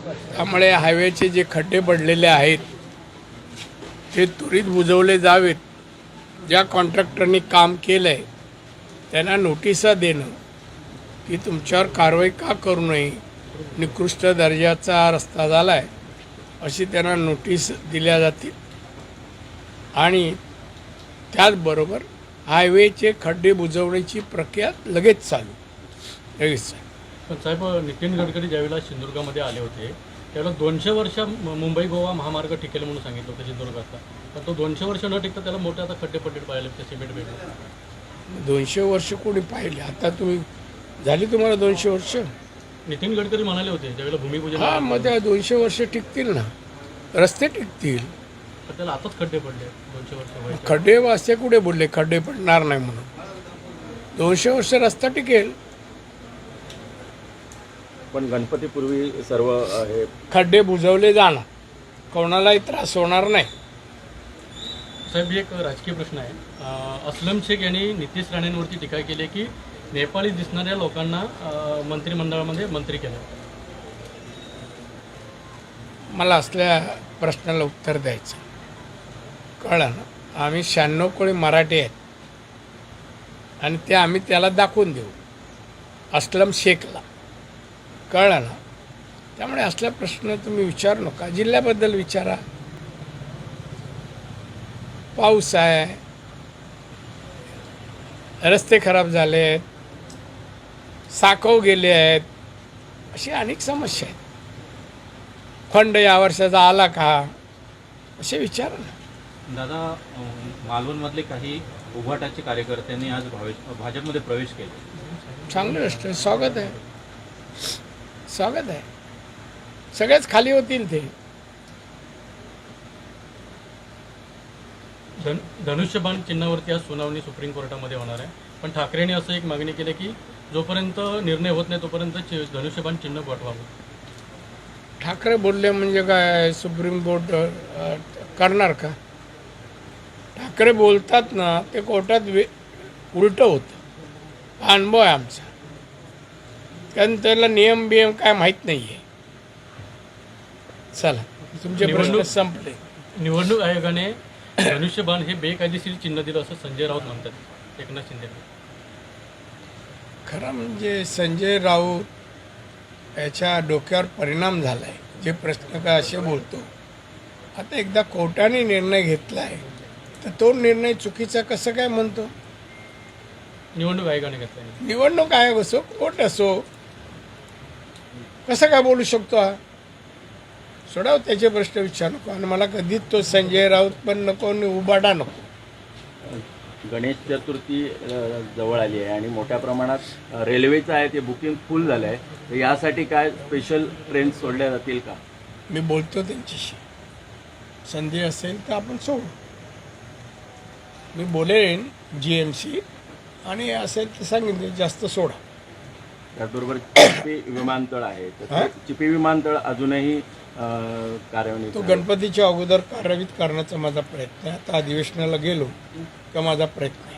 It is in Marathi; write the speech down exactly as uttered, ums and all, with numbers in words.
त्यामुळे हायवेचे जे खड्डे पडलेले आहेत ते त्वरित बुजवले जावेत. ज्या कॉन्ट्रॅक्टरनी काम केलं आहे त्यांना नोटिसा देणं की तुमच्यावर कारवाई का करू नये, निकृष्ट दर्जाचा रस्ता झाला आहे अशी त्यांना नोटीस दिल्या जातील. आणि त्याचबरोबर हायवेचे खड्डे बुजवण्याची प्रक्रिया लगेच चालू लगेच चालू पण साहेब, नितीन गडकरी ज्यावेळेला सिंधुदुर्गामध्ये आले होते त्यावेळेला दोनशे वर्ष मुंबई गोवा महामार्ग टिकेल म्हणून सांगितलं होतं सिंधुदुर्गाचा. पण तो दोनशे वर्ष न टिकता त्याला मोठे आता खड्डे पडले पाहिले ते सिमेंट भेटले. दोनशे वर्ष कोणी पाहिले? आता तुम्ही झाली तुम्हाला दोनशे वर्ष? नितीन गडकरी म्हणाले होते ज्यावेळेला भूमिपूजन. हां, मग त्या दोनशे वर्ष टिकतील ना, रस्ते टिकतील. पण त्याला आताच खड्डे पडले दोनशे वर्ष. खड्डे वाजते कुठे बोलले खड्डे पडणार नाही म्हणून? दोनशे वर्ष रस्ता टिकेल. पण गणपतीपूर्वी सर्व हे खड्डे बुजवले जाणार, कोणालाही त्रास होणार नाही. साहेब, एक राजकीय प्रश्न आहे. अं, अस्लम शेख यांनी नितीश राणेंवरती टीका केली की नेपाळी दिसणाऱ्या लोकांना अं, मंत्रिमंडळामध्ये मंत्री केलं. मला असल्या प्रश्नाला उत्तर द्यायचं कळलं ना. आम्ही शहाण्णव कोळी मराठी आहेत आणि ते आम्ही त्याला दाखवून देऊ अस्लम शेखला, कळलं ना. त्यामुळे असला प्रश्न तुम्ही विचारू नका, जिल्ह्याबद्दल विचारा. पाऊस आहे, रस्ते खराब झाले आहेत, साकव गेले आहेत, अशी अनेक समस्या आहेत. फंड या वर्षाचा आला का असे विचार ना. दादा, मालवणमधले काही उभाटाचे कार्यकर्त्यांनी आज भावे भाजपमध्ये प्रवेश केला. चांगलं गोष्ट आहे, स्वागत आहे, स्वागत आहे. सगळेच खाली होतील ते. धन धनुष्यबाण चिन्हावरती आज सुनावणी सुप्रीम कोर्टामध्ये होणार आहे. पण ठाकरेंनी असं एक मागणी केली की जोपर्यंत निर्णय होत नाही तोपर्यंत चि- धनुष्यबाण चिन्ह पाठवावं. ठाकरे बोलले म्हणजे काय सुप्रीम कोर्ट अ, करणार का? ठाकरे बोलतात ना ते कोर्टात वे उलटं होतं. हा अनुभव आहे आमचा, कारण त्याला नियम बियम काय माहीत नाही आहे. चला, तुमचे प्रश्न निवडणूक- संपले. निवडणूक आयोगाने धनुष्यबाण हे बेकायदेशीर चिन्ह दिलं असं संजय राऊत म्हणतात एकनाथ शिंदे. खरं म्हणजे संजय राऊत याच्या डोक्यावर परिणाम झाला आहे. जे प्रश्न का असे बोलतो, आता एकदा कोर्टाने निर्णय घेतला आहे तर तो निर्णय चुकीचा कसं काय म्हणतो? निवडणूक आयोगाने घेतला. निवडणूक आयोग असो, कोर्ट असो, कसं काय बोलू शकतो हा? सोडाव त्याचे प्रश्न विचार नको. आणि मला कधीच तो संजय राऊत पण नको आणि उबाडा नको. गणेश चतुर्थी अ, जवळ आली आहे आणि मोठ्या प्रमाणात अ, रेल्वेचं आहे ते बुकिंग फुल झालं आहे. तर यासाठी काय स्पेशल ट्रेन सोडल्या जातील का? मी बोलतो त्यांच्याशी, संधी असेल तर आपण सोडू. मी बोलेन जी एम सी, आणि असेल तर सांगितले जास्त सोडा. त्याचबरोबर चिपी विमानतळ आहे, तर हा? ते चिपी विमानतळ अजूनही अ, कार्यान्वित तो आहे. गणपतीच्या अगोदर कार्यान्वित करण्याचा माझा प्रयत्न आहे. आता अधिवेशनाला गेलो का माझा प्रयत्न आहे.